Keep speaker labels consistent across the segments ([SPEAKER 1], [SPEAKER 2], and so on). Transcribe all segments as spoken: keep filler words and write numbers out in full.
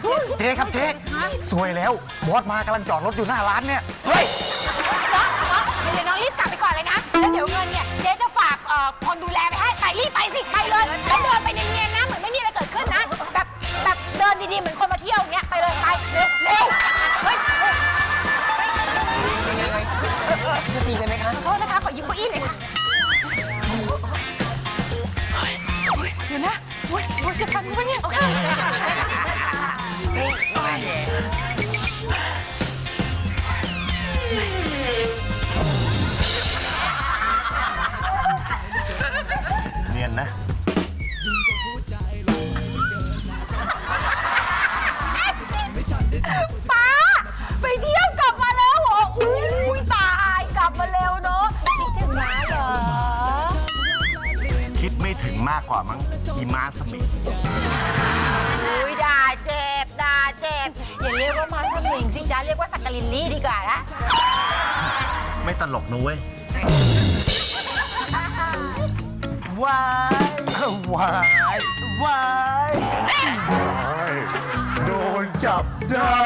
[SPEAKER 1] เจ๊ครับเจ๊สวยแล้วบอสมากำลังจอดรถอยู่หน้าร้านเนี่ยเฮ้ย
[SPEAKER 2] เดี๋ยวน้องรีบกลับไปก่อนเลยนะแล้วเดี๋ยวเงินเนี่ยเจ๊จะฝากคนดูแลไปให้ไปรีบไปสิไปเลยแล้วเดินไปเนียนๆนะเหมือนไม่มีอะไรเกิดขึ้นนะแบบแบบเดินดีๆเหมือนคนมาเที่ยวเงี้ยไปเลยไปเร็วเร็วเฮ้ย
[SPEAKER 3] จะตีกันไหมคะ
[SPEAKER 2] โทษนะคะขอยืมเก้าอี้หน่อยค่ะเดี๋ยวนะโอ๊ยโอ๊ยจะฟันมั้ยเนี่ยโอเค
[SPEAKER 1] เนียนนะ
[SPEAKER 2] ป้าไปเที่ยวกลับมาแล้วเหรออุ้ยตายกลับมาเร็วเนาะคิดถึงน้าเหรอ
[SPEAKER 1] คิดไม่ถึงมากกว่ามั้งอีม้าสมิง
[SPEAKER 2] อุ้ยด่าเจ็บด่าเจ็บอย่าเรียกว่าม้าสมิงสิจ้าเรียกว่าสักกลินลี่ดีกว่านะ
[SPEAKER 1] ไม่ตลกนะเว้ยว้ายว้ายว้ายโดนจับได้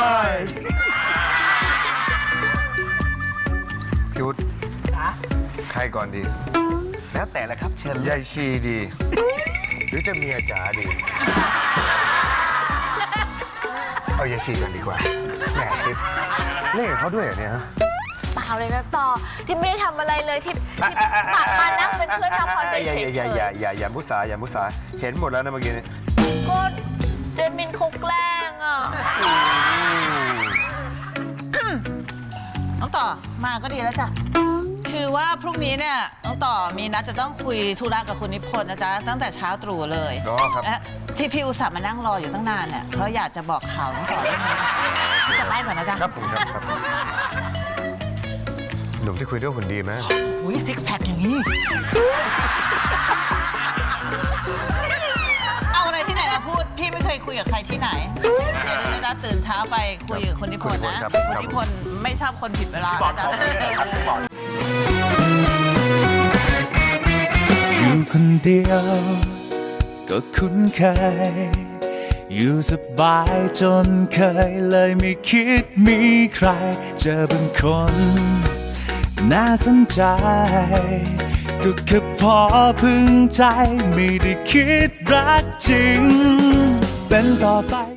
[SPEAKER 4] พิวุฒใครก่อนดี
[SPEAKER 1] แล้วแต่ละครับเชิญ
[SPEAKER 4] ยายชีดี หรือจะเมียจ๋าดี เอายายชีกันดีกว่าแหมทิพย์เล่นกับเขาด้วยเหรอเนี่ยฮะ
[SPEAKER 5] เปล่าเลยนะต่อที่ไม่ได้ทำอะไรเลยที่ที่ปากมานั่งเป็นเพื่อนทำความใจเฉยๆ
[SPEAKER 4] อย่าอย่าอย่าอย่ามุสาอย่ามุสาเห็นหมดแล้วนะเมื่อกี้นี้
[SPEAKER 5] ก็เจมินเขาแกล้งอ่ะ
[SPEAKER 6] น้องต่อมาก็ดีแล้วจ้ะคือว่าพรุ่งนี้เนี่ยน้องต่อมีนัดจะต้องคุยธุระกับคุณนิพนธ์นะจ๊ะตั้งแต่เช้าตรู่เลย
[SPEAKER 4] อ๋อครับ
[SPEAKER 6] ที่พี่อุตส่าห์มานั่งรออยู่ตั้งนานเนี่ยเพราะอยากจะบอกข่าวน้องต่อเรื่องนี้จะไล่ก่อนนะจ๊ะ
[SPEAKER 4] ครับผมครับครับหนุ่มที่คุยด้วยหุ่นดีไหม
[SPEAKER 6] อุ้ยซิกแพคอย่างนี้เอาอะไรที่ไหนมาพูดพี่ไม่เคยคุยกับใครที่ไหนเดี๋ยวนี้นะตื่นเช้าไปคุยกับคนนิพนธ์นะคนนิพนธ์ไม่ชอบคนผิดเวลานะจ๊ะ
[SPEAKER 7] อยู่คนเดียวก็คุ้นเคยอยู่สบายจนเคยเลยไม่คิดมีใครเจอเป็นคนน่าสนใจก็แค่พอพึงใจไม่ได้คิดรักจริงเป็นต่อไป